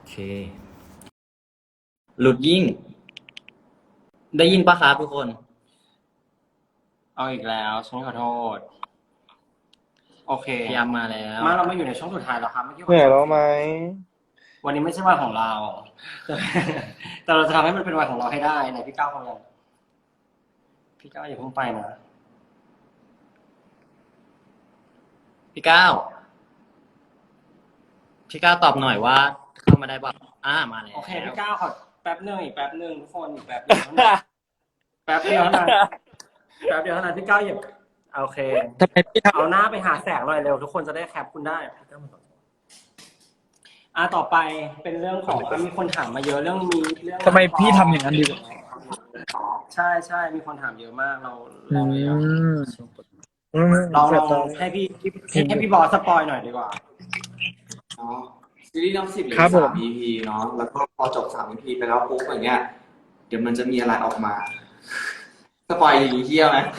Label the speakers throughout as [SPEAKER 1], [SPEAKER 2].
[SPEAKER 1] เคหลุดยิ่ง ได้ยินปะครับทุกคน
[SPEAKER 2] เอาอีกแล้วฉันขอโทษ โอเค
[SPEAKER 1] พยายามมาแล้ว
[SPEAKER 2] เรามาอยู่ในช่วงสุดท้ายแล้วครับเมื่อกี้
[SPEAKER 3] เหนื่อยแล้วไหม
[SPEAKER 2] วันนี้ไม่ใช่วันของเรา แต่เราจะทำให้มันเป็นวันของเราให้ได้ไหนพี่ก้าวเขาอย่างพี่ก้าวอย่าเพิ่งไปนะ
[SPEAKER 1] พี่ก้าวตอบหน่อยว่าเข้ามาได้ป่ะมาแล้ว
[SPEAKER 2] โอเคพี่ก้าวขอแป๊บนึงอีกแป๊บนึงทุกคนอีกแป๊บนึงเท่านั้นแป๊บเดียวเท่านั้นแป๊บเดียวเท่านั้นพี่ก้าวอย่าโอเค
[SPEAKER 3] ทำไมพี่ท
[SPEAKER 2] เอาหน้าไปหาแสงหน่อยเร็วทุกคนจะได้แคปคุณได้ต่อไปเป็นเรื่องของมีคนถามมาเยอะเรื่อง
[SPEAKER 3] ำทำไมพี่ทำอย่างนั้นดีกว่า
[SPEAKER 2] ใช่มีคนถามเยอะมากเรา
[SPEAKER 3] อืม
[SPEAKER 2] ลองให้พี่บอสสปอยหน่อยดีกว่า
[SPEAKER 4] เนาะซีรีส์น้ำ10เหลือ
[SPEAKER 3] ครับผม
[SPEAKER 4] 3 EP เนาะแล้วก็พอจบ3 EP ไปแล้วปุ๊บอย่างเงี้ยเดี๋ยวมันจะมีอะไรออกมาสปอยอย่างนี้เที่ยวไหม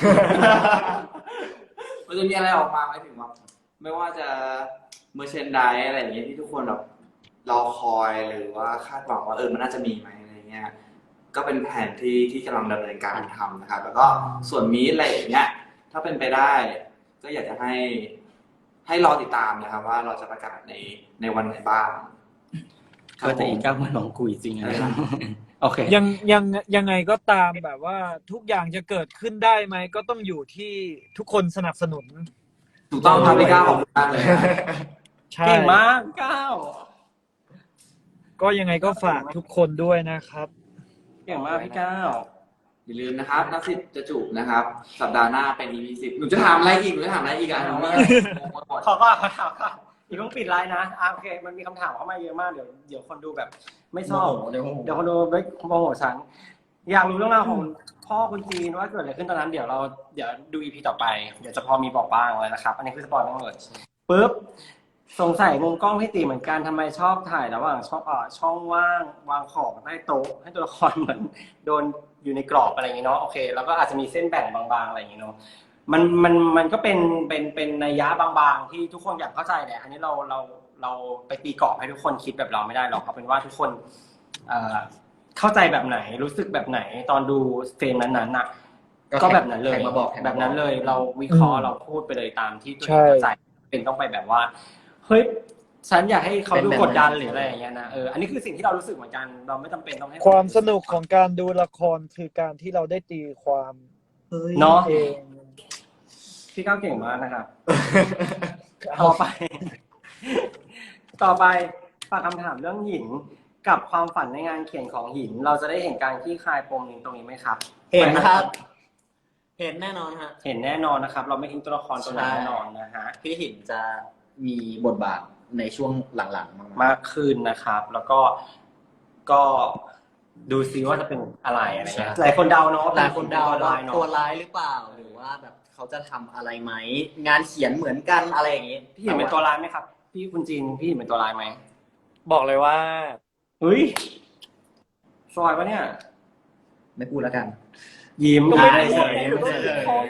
[SPEAKER 4] มันจะมีอะไรออกมาหมายถึงว่าไม่ว่าจะเมอร์เชนไดอะไรอย่างเงี้ยที่ทุกคนแบบรอคอยหรือว่าคาดหวังว่ามันน่าจะมีไหมอะไรเงี้ยก็เป็นแผนที่กำลังดำเนินการทำนะครับแล้วก็ส่วนมีอะไรอย่างเงี้ยถ้าเป็นไปได้ ก็อยากจะให้รอติดตามนะครับว่าเราจะประกาศในวันไหนบ้าง
[SPEAKER 2] ก็จะอีกก้าวมันน้องกุยจริงนะโอเค
[SPEAKER 3] ยังไงก็ตามแบบว่าทุกอย่างจะเกิดขึ้นได้ไหมก็ต้องอยู่ที่ทุกคนสนับสนุน
[SPEAKER 4] ถูกต้องครับพี่ก้าวขอบคุณมากเลยนะ
[SPEAKER 3] ใช่
[SPEAKER 2] เก่งมากก้าว
[SPEAKER 3] ก็ยังไงก็ฝากทุกคนด้วยนะครับ
[SPEAKER 2] เก่งมากพี่ก้าว
[SPEAKER 4] อย่าลืมนะครับนักสิทธิ์จะจูบนะครับ สัปดาห์หน้าเป็น EP 10หนูจะถามอะไรอีกอ่ะหนูนี่หมด
[SPEAKER 2] ขอถามก่อนอีกต้องปิดไลน์นะโอเคมันมีคำถามเข้ามาเยอะมากเดี๋ยวคนดูแบบ ไม่ชอบเดี๋ยวคนดูไม่โมโหฉันอยากรู้เรื่องราวของพ่อคุณจีนว่าเกิดอะไรขึ้นตอนนั้นเดี๋ยวดู EP ต่อไปเดี๋ยวจะพอมีบอกบ้างเลยนะครับอันนี้คือสปอยล์ทั้งหมดปุ๊บสงสัยมุมกล้องพี่ตีเหมือนกันทำไมชอบถ่ายระหว่างช่องว่างวางของใต้โต๊ะให้ตัวละครเหมือนโดนอยู่ในกรอบอะไรอย่างเงี้ยเนาะโอเคแล้วก็อาจจะมีเส้นแบ่งบางๆอะไรอย่างเงี้ยเนาะมันก็เป็นนัยยะบางๆที่ทุกคนอยากเข้าใจแหละอันนี้เราไปตีกรอบให้ทุกคนคิดแบบเราไม่ได้หรอกเอาเป็นว่าทุกคนเข้าใจแบบไหนรู้สึกแบบไหนตอนดูเฟรมนั้นๆน่ะก็แบบนั้นเลยแบบนั้นเลยเราวิเคราะห์เราพูดไปเลยตามที่ตัวเองเข้าใจเป็นต้องไปแบบว่าเฮ้ยฉันอยากให้เขาดูกดดันหรืออะไรอย่างเงี้ยนะอันนี้คือสิ่งที่เรารู้สึกเหมือนกันเราไม่จำเป็นต้องให้
[SPEAKER 3] ความสนุกของการดูละครคือการที่เราได้ตีความ
[SPEAKER 2] เนาะ
[SPEAKER 3] เอง
[SPEAKER 2] พี่ก้าวเก่งมากนะครับ ต่อไป ฝากคำถามเรื่องหินกับความฝันในงานเขียนของหิน เราจะได้เห็นการคลี่คลายปมตรงนี้ไหมครับ
[SPEAKER 1] เห็นครับ เห็นแน่นอนฮะ
[SPEAKER 2] เห็นแน่นอนนะครับ เราไม่ทิ้งตัวละครตัวนั้นแน่นอนนะฮะ
[SPEAKER 1] พี่หินจะมีบทบาทในช่วงหลังๆ
[SPEAKER 2] มากขึ้นนะครับ แล้วก็ดูซิว่าจะเป็นอะไรเงี้ยหลายคนเดาเนาะ
[SPEAKER 1] หลายคนเดา
[SPEAKER 2] ตัว
[SPEAKER 1] ว่า
[SPEAKER 2] ร้ายเนาะ
[SPEAKER 1] ตัวร้ายหรือเปล่าหรือว่าแบบเขาจะทำอะไรไหมงานเขียนเหมือนกันอะไรอย่างนี้
[SPEAKER 2] พี่หินเป็นตัวร้ายไหมครับพี่คุณจีนพี่หินเป็นตัวร้ายไหม
[SPEAKER 3] บอกเลยว่า
[SPEAKER 2] เฮ้ยซอยวะเนี่ย
[SPEAKER 1] ไม่พูดแล้วกัน
[SPEAKER 2] ยิ้ม
[SPEAKER 3] ก็ไม่
[SPEAKER 2] ได้
[SPEAKER 3] ได้
[SPEAKER 2] เฉย
[SPEAKER 3] พูด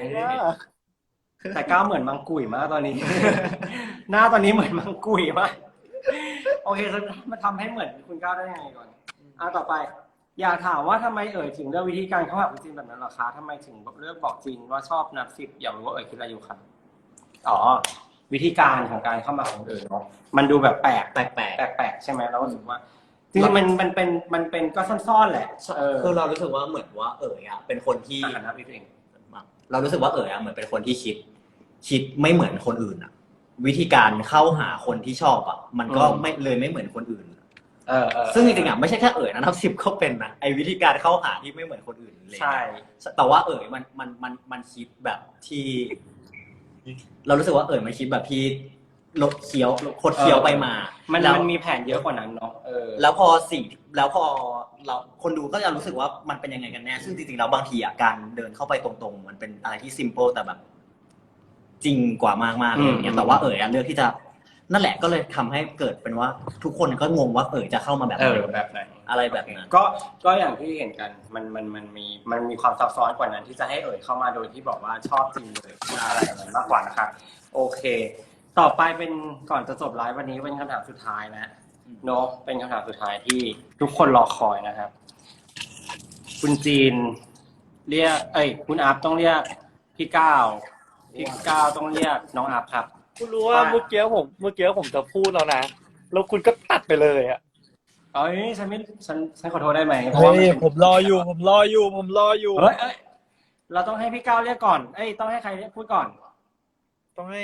[SPEAKER 2] แต่ก้าวเหมือนมังกุ๋ยมากตอนนี้ หน้าตอนนี้เหมือนมังกุ๋ยมากโอเคมาทำให้เหมือนคุณก้าวได้ยังไงก่อนต่อไป อยากถามว่าทำไมถึงเลือกวิธีการเข้าหาคุณจีนแบบนั้นเหรอคะทำไมถึงเลือกบอกจีนว่าชอบนับ10อยากรู้ว่าคิดอะไรอยู่ครับอ๋อวิธีการของการเข้ามาของเนาะมันดูแบบแปลกใช่ไหมเรารู้สึกว่าจริงๆมันเป็นก็ซ่อนๆแหละ
[SPEAKER 1] คือเรารู้สึกว่าเหมือนว่าเป็นคนที่
[SPEAKER 2] นะพี่เอง
[SPEAKER 1] เรารู้สึกว่าเหมือนเป็นคนที่คิดไม่เหมือนคนอื่นอ่ะ วิธีการเข้าหาคนที่ชอบอ่ะมันก็ไม่เหมือนคนอื่นซึ่งจริงๆอ่ะไม่ใช่แค่นะนับ10เขาเป็นนะไอ้วิธีการเข้าหาที่ไม่เหมือนคนอื่นเลย
[SPEAKER 2] ใช่
[SPEAKER 1] แต่ว่ามันคิดแบบที่ เรารู้สึกว่ามันคิดแบบที่ลดเคี้ยวคดเคี้ยวไปมา
[SPEAKER 2] มันมีแผนเยอะกว่านั้นเนาะ
[SPEAKER 1] แล้วพอเราคนดูก็จะรู้สึกว่ามันเป็นยังไงกันแน่ซึ่งจริงๆแล้วบางทีอ่ะการเดินเข้าไปตรงๆมันเป็นอะไรที่ซิมเปิลแต่แบบจริงกว่ามากๆอะไรอย่างเงี้ยแต่ว่าเลือกที่จะนั่นแหละก็เลยทำให้เกิดเป็นว่าทุกคนก็งงว่าจะเข้ามาแบบ
[SPEAKER 2] แบบไหน
[SPEAKER 1] อะไรแบบนั้น
[SPEAKER 2] ก็อย่างที่เห็นกันมันมีความซับซ้อนกว่านั้นที่จะให้เข้ามาโดยที่บอกว่าชอบจริงเลยอะไรแบบนั้นมากกว่านะครับโอเคต่อไปเป็นก่อนจะจบไลฟ์วันนี้เป็นคำถามสุดท้ายแล้วเนาะเป็นคำถามสุดท้ายที่ทุกคนรอคอยนะครับ คุณจีนเรียกคุณอัพต้องเรียกพี่ก้าวต้องเรียกน้องอัพครับ
[SPEAKER 5] คุณรู้ว่าเมื่อกี้ผมจะพูดแล้วนะแล้วคุณก็ตัดไปเลยอ่ะ
[SPEAKER 2] ฉันขอโทษได้ไหมเพราะ
[SPEAKER 3] เฮ้
[SPEAKER 2] ว่ามัน
[SPEAKER 3] ยผมรออยู่
[SPEAKER 2] เฮ้ยเราต้องให้พี่ก้าวเรียกก่อนต้องให้ใครเรียกพูดก่อน
[SPEAKER 3] ต้องให้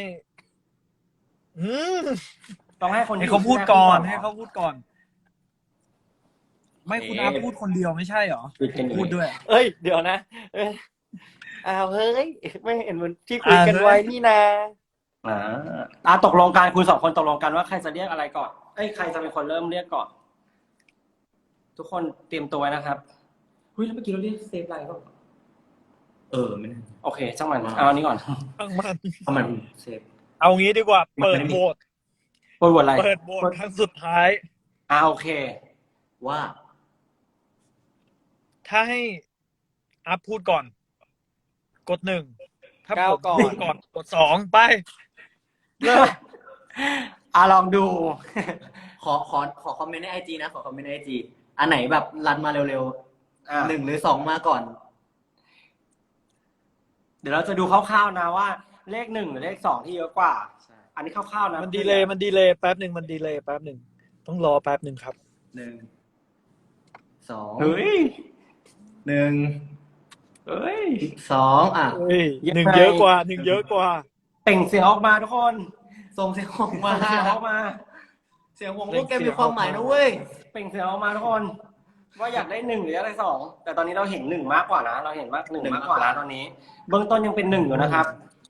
[SPEAKER 2] ต้องให้คน
[SPEAKER 3] ให้
[SPEAKER 2] ที่
[SPEAKER 3] เขาพูดก่อน
[SPEAKER 2] หร
[SPEAKER 3] ให้เขาพูดก่อน ไม่คุณอาพูดคนเดียวไม่ใช่เหรอ พูดด้วย
[SPEAKER 5] เอ้ยเดี๋ยวนะอ้าวเฮ้ยไม่เห็นเหมือนที่คุยกันไว้นี่นะ
[SPEAKER 2] ตกลงกันคุณสองคนตกลงกันว่าใครจะเรียกอะไรก่อนใครจะเป็นคนเริ่มเรียกก่อน ทุกคนเตรียมตัวไว้นะครับแล้วเมื่อกี้เราเรียกเซฟไลน์ป่ะ
[SPEAKER 1] ไม่ได้
[SPEAKER 2] โอเคช่างมันเอาอันนี้ก่อน
[SPEAKER 3] ตั้งมัน
[SPEAKER 1] เพราะมันเซฟ
[SPEAKER 3] เอางี้ดีกว่า เปิดโหวต
[SPEAKER 2] โหวตอะไร
[SPEAKER 3] เปิดโหวตครั้งสุดท้าย
[SPEAKER 2] โอเค
[SPEAKER 1] ว่า
[SPEAKER 3] ถ้าให้อัพพูดก่อน กด 1 ถ้า
[SPEAKER 5] ก้าว
[SPEAKER 3] ผม
[SPEAKER 5] ก่อน
[SPEAKER 3] พูดก่อนกด 2 ไปเริ่ม
[SPEAKER 2] ลองดู
[SPEAKER 1] ขอคอมเมนต์ในไอจีนะขอคอมเมนต์ในไอจีอันไหนแบบรันมาเร็วๆ1 หรือ 2มาก่อน
[SPEAKER 2] เดี๋ยวเราจะดูคร่าวๆนะว่าเลข 1 หรือเลข 2 ที่เยอะกว่า อันนี้คร่าวๆนะ
[SPEAKER 3] มันดีเลย์แป๊บหนึ่งต้องรอแป๊บหนึ่งครับ
[SPEAKER 1] 1 2
[SPEAKER 2] เฮ้ย
[SPEAKER 1] 1
[SPEAKER 2] เฮ้ย
[SPEAKER 1] 2
[SPEAKER 3] เฮ้ยหนึ่งเยอะกว่า
[SPEAKER 2] เปล่งเสียงออกมาทุกคน
[SPEAKER 1] ส่งเสียงออกมา
[SPEAKER 2] เสียงออกมา
[SPEAKER 1] เสียงของพวกแกมีความหมายนะเว้ย
[SPEAKER 2] เปล่งเสียงออกมาทุกคน ว่าอยากได้ 1 หรืออะไร 2 แต่ตอนนี้เราเห็น 1 มากกว่านะเราเห็นมาก1มากกว่านะตอนนี้ เบื้องต้นยังเป็น 1 อยู่นะครับ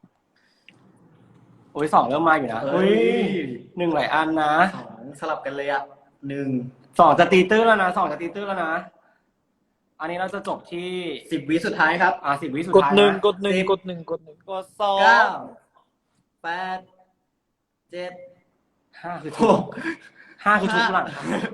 [SPEAKER 2] โอ้ย 2 เริ่มมาอยู่นะ
[SPEAKER 1] เฮ้ย
[SPEAKER 2] 1 หลายอันนะ
[SPEAKER 1] 2สลับกันเลยอ่ะ1
[SPEAKER 2] 2 จะตีตื้นแล้วนะ2 จะตีตื้นแล้วนะ อันนี้เราจะจบที่
[SPEAKER 1] 10 วิสุดท้ายครับ
[SPEAKER 2] 10 วิสุด
[SPEAKER 3] กด
[SPEAKER 2] ท้าย
[SPEAKER 3] หนึ่ง
[SPEAKER 2] นะ
[SPEAKER 3] กดหนึ่ง
[SPEAKER 1] 10
[SPEAKER 3] กดหนึ่ง
[SPEAKER 5] กดสอง
[SPEAKER 1] 9 8 7
[SPEAKER 2] 5 คือทุบ
[SPEAKER 1] 6
[SPEAKER 2] 5 คือทุบหลัง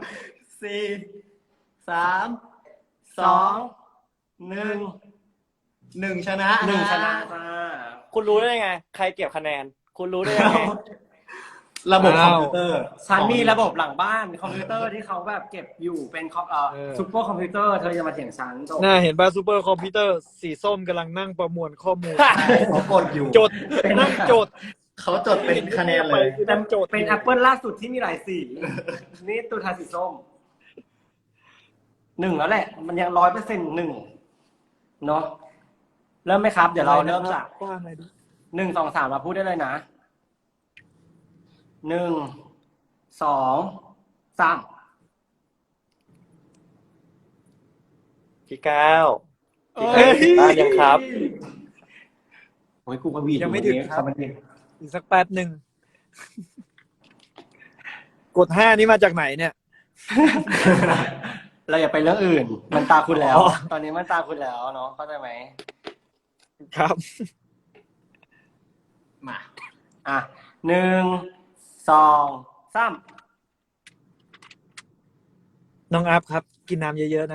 [SPEAKER 1] 4 3 2 1 ชนะ
[SPEAKER 2] 1 ชนะจ้า
[SPEAKER 5] คุณรู้ได้ไงใครเก็บคะแนน คุณรู้ได้ยังไง
[SPEAKER 1] ระบบคอมพิวเตอร์
[SPEAKER 2] ฉันมีระบบหลังบ้านคอมพิวเตอร์ที่เขาแบบเก็บอยู่เป็นซุปเปอร์คอมพิวเตอร์เธอจะมาเถียงฉันจบ
[SPEAKER 3] น่าเห็นป่ะซูเปอร์คอมพิวเตอร์สีส้มกำลังนั่งประมวลข้อมูล
[SPEAKER 1] เขากดอยู่
[SPEAKER 3] จดนั่งจด
[SPEAKER 1] เขาจดเป็นคะแนนเลย
[SPEAKER 3] นั่งจด
[SPEAKER 2] เป็นแอปเปิลล่าสุดที่มีหลายสี นี่ตัวทาสีส้ม 1 แล้วแหละ มันยัง100%เนาะเริ่มไหมครับ เดี๋ยวเราเริ่มจาก
[SPEAKER 3] ว่าไงดิ
[SPEAKER 2] 1 2 3มาพูดได้เลยนะ 1 2 3
[SPEAKER 5] พี่ก้าว
[SPEAKER 2] เอ้ย
[SPEAKER 5] บ้านยังครับ
[SPEAKER 2] โอ้ยกูกระวี
[SPEAKER 3] ยังไม่ถึงครับ อีกสักแป๊บหนึ่งกด 5 นี่มาจากไหนเนี่ย
[SPEAKER 2] เราอย่าไปเรื่องอื่น มันตาคุณแล้ว
[SPEAKER 3] อ๋อ
[SPEAKER 2] ตอนนี้มันตาคุณแล้วเนาะเข้าใจไหม
[SPEAKER 3] ครับ
[SPEAKER 1] มา
[SPEAKER 2] 1 2 3
[SPEAKER 3] น้องอัพครับ กินน้ำเยอะๆนะ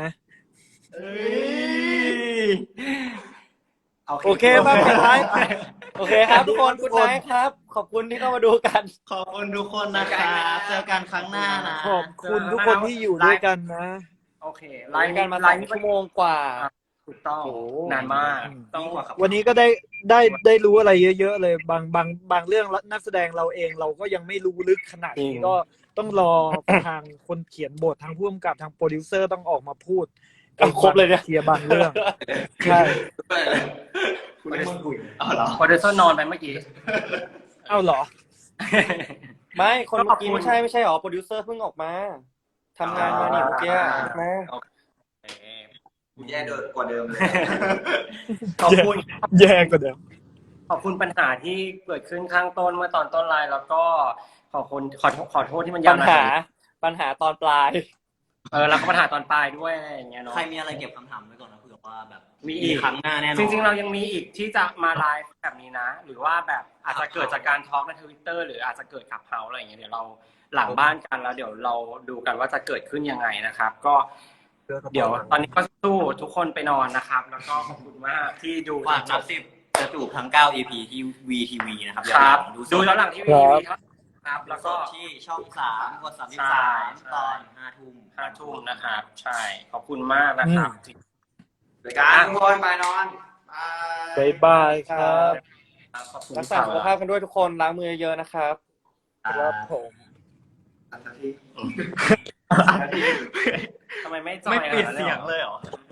[SPEAKER 3] โอเคมาปิดท้าย
[SPEAKER 5] โอเคครับทุกคนคุณนายครับ ขอบคุณที่เข้ามาดูกัน
[SPEAKER 1] ขอบคุณทุกคนนะครับเจอกันครั้งหน้านะ
[SPEAKER 3] ขอบคุณทุกคนที่อยู่ด้วยกันนะ
[SPEAKER 2] โอเค
[SPEAKER 5] ไลฟ์กันมา2 ชั่วโมงกว่า
[SPEAKER 2] ถูกต้อง
[SPEAKER 5] โอ้โห
[SPEAKER 2] นานมาก
[SPEAKER 1] ต้องกว่าครับ
[SPEAKER 3] วันนี้ก็ได้รู้อะไรเยอะๆเลยบางเรื่องนักแสดงเราเองเราก็ยังไม่รู้ลึกขนาดนี้ก็ต้องรอทางคนเขียนบททางผู้กำกับทางโปรดิวเซอร์ต้องออกมาพูด
[SPEAKER 5] ครบเลยเนี่ย
[SPEAKER 3] เคลียร์บางเรื่องใช่
[SPEAKER 1] คุณได้คุยอ๋อเหรอ
[SPEAKER 2] โปรดิวเซอร์นอนไปเมื่อกี้
[SPEAKER 3] เอ้าเหรอ
[SPEAKER 5] ไม่คนเมื่อกี้ไม่ใช่หรอโปรดิวเซอร์เพิ่งออกมาทำงานมานี่เมื่อกี้นะ
[SPEAKER 4] กูแย่กว่าเดิมเลย
[SPEAKER 2] ขอบคุณ
[SPEAKER 3] แย่กว่าเดิม
[SPEAKER 2] ขอบคุณปัญหาที่เกิดขึ้นข้างต้นเมื่อตอนต้นไลน์แล้วก็ขอโทษที่มันยา
[SPEAKER 5] ปั
[SPEAKER 2] ว
[SPEAKER 5] ญ
[SPEAKER 2] นาน
[SPEAKER 5] ปัญหาตอนปลาย
[SPEAKER 2] แล้วก็ปัญหาตอนปลายด้วยอะไรอย่างเงี้ยเนาะ
[SPEAKER 1] ใครมีอะไรเก็บคำถามไว้ก่อนนะเผื่อว่าแบบ
[SPEAKER 2] มีอีก
[SPEAKER 1] ครั้งหน้าแน่นอน
[SPEAKER 2] จริงๆเรายังมีอีกที่จะมาไลฟ์แบบนี้นะ หรือว่าแบบอาจจะเกิดจากการทอล์กใน Twitter หรืออาจจะเกิดขับเฮาอะไรอย่างเงี้ยเดี๋ยวเราหลังบ้านกันแล้วเดี๋ยวเราดูกันว่าจะเกิดขึ้นยังไงนะครับ ก็เดี๋ยวตอนนี้ก็สู้ทุกคนไปนอนนะครับ แล้วก็ขอบคุณมากที่ดู
[SPEAKER 1] ฝาก
[SPEAKER 2] จ
[SPEAKER 1] นั
[SPEAKER 2] บบ
[SPEAKER 1] 10จะจูบทั้ง9 EP ที่ VTV นะครับ
[SPEAKER 2] ครับ
[SPEAKER 1] ดู
[SPEAKER 2] ดูย้อนหลังที่วี
[SPEAKER 3] ครับ
[SPEAKER 2] ครับครับ
[SPEAKER 1] แล้
[SPEAKER 2] แล้ว ว
[SPEAKER 1] ก็
[SPEAKER 2] ก็
[SPEAKER 1] ที่ช่อง3กด
[SPEAKER 2] ใช่
[SPEAKER 1] 33ตอน5 ทุ่ม
[SPEAKER 2] 5 ทุ่มนะครับ ใช่ขอบคุณมากนะครับ
[SPEAKER 4] รายการทุกคนไปนอนบาย
[SPEAKER 3] บ๊ายบายครับ
[SPEAKER 2] ขอบคุณ
[SPEAKER 5] รักษาสุขภาพกันด้วยทุกคนล้างมือเยอะๆนะครับ
[SPEAKER 3] ครับผม
[SPEAKER 4] อันที่
[SPEAKER 2] ทำไมไม่จอย
[SPEAKER 6] ไม่ปิด
[SPEAKER 2] ขนานั้น
[SPEAKER 6] เสียง
[SPEAKER 2] หรอ
[SPEAKER 6] เลยเหรอ